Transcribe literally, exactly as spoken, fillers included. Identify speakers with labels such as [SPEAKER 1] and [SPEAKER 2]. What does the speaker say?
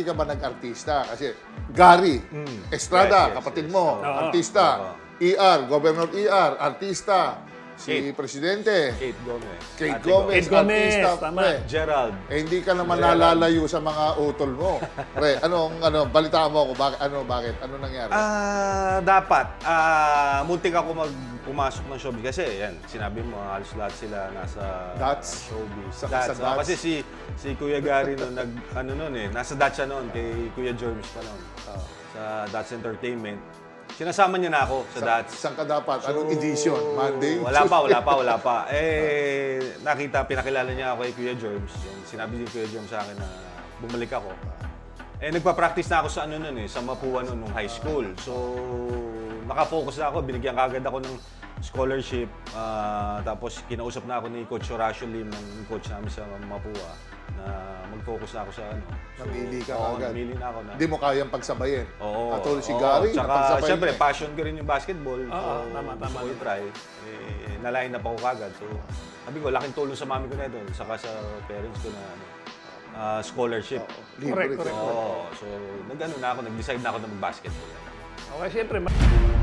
[SPEAKER 1] hindi ka ba nag-artista? Kasi Gary, Estrada,
[SPEAKER 2] Yes, yes,
[SPEAKER 1] kapatid
[SPEAKER 2] yes.
[SPEAKER 1] mo,
[SPEAKER 2] Oo.
[SPEAKER 1] artista. E R, Governor E R, artista. Si
[SPEAKER 2] Kate.
[SPEAKER 1] Presidente,
[SPEAKER 2] Kate Gomez.
[SPEAKER 1] Kate
[SPEAKER 2] Ate
[SPEAKER 1] Gomez,
[SPEAKER 3] Kate Gomez,
[SPEAKER 1] artista.
[SPEAKER 3] tama.
[SPEAKER 1] Pre.
[SPEAKER 2] Gerald.
[SPEAKER 1] Eh, hindi ka naman nalalayo sa mga utol mo. Pre, anong, ano, balitaan mo ako, bakit, ano, bakit, ano nangyari?
[SPEAKER 2] Ah, dapat. Ah, muntik ako mag pumasok ng showbiz kasi yan, sinabi mo halos lahat sila nasa
[SPEAKER 1] Dots?
[SPEAKER 2] showbiz.
[SPEAKER 1] Sa-
[SPEAKER 2] Dots.
[SPEAKER 1] sa
[SPEAKER 2] Oh,
[SPEAKER 1] Dots?
[SPEAKER 2] kasi si si Kuya Gary noon nag ano noon eh, nasa Dots siya noon kay Kuya Jerms pa noon. Sa Dots Entertainment. Sinasama niya na ako sa, Dots.
[SPEAKER 1] Saan ka dapat? Anong edition? Monday?
[SPEAKER 2] Wala pa, wala pa, wala pa. Eh, nakita, pinakilala niya ako kay Kuya Jerms. Yung sinabi ni Kuya Jerms sa akin na bumalik ako. Eh, nagpa-practice na ako sa ano nun eh, sa Mapua noon, nung high school. So, nakafocus na ako. Binigyan kagad ako ng scholarship. Ah, tapos, kinausap na ako ni Coach Horacio Lim, ng coach namin sa Mapua, na mag-focus na ako sa ano. So,
[SPEAKER 1] Namili ka
[SPEAKER 2] oo,
[SPEAKER 1] agad.
[SPEAKER 2] namili na ako na.
[SPEAKER 1] Hindi mo kayang pagsabayin.
[SPEAKER 2] Oo.
[SPEAKER 1] Katulad si
[SPEAKER 2] oo.
[SPEAKER 1] Gary,
[SPEAKER 2] Tsaka,
[SPEAKER 1] napagsabay
[SPEAKER 2] syempre,
[SPEAKER 1] niya.
[SPEAKER 2] passion ko rin yung basketball.
[SPEAKER 3] Oo,
[SPEAKER 2] so,
[SPEAKER 3] tama, tama.
[SPEAKER 2] gusto ko i-try. Eh, na-line up ako kagad. So, sabi ko, laking tulong sa mami ko na ito. Saka sa parents ko na ano, ah, scholarship.
[SPEAKER 1] Libre
[SPEAKER 3] Correct,
[SPEAKER 1] ka.
[SPEAKER 3] correct.
[SPEAKER 2] Oo. So, nag-ano na ako, nag-decide na ako na mag-basketball.
[SPEAKER 3] Okay, siyempre. ma-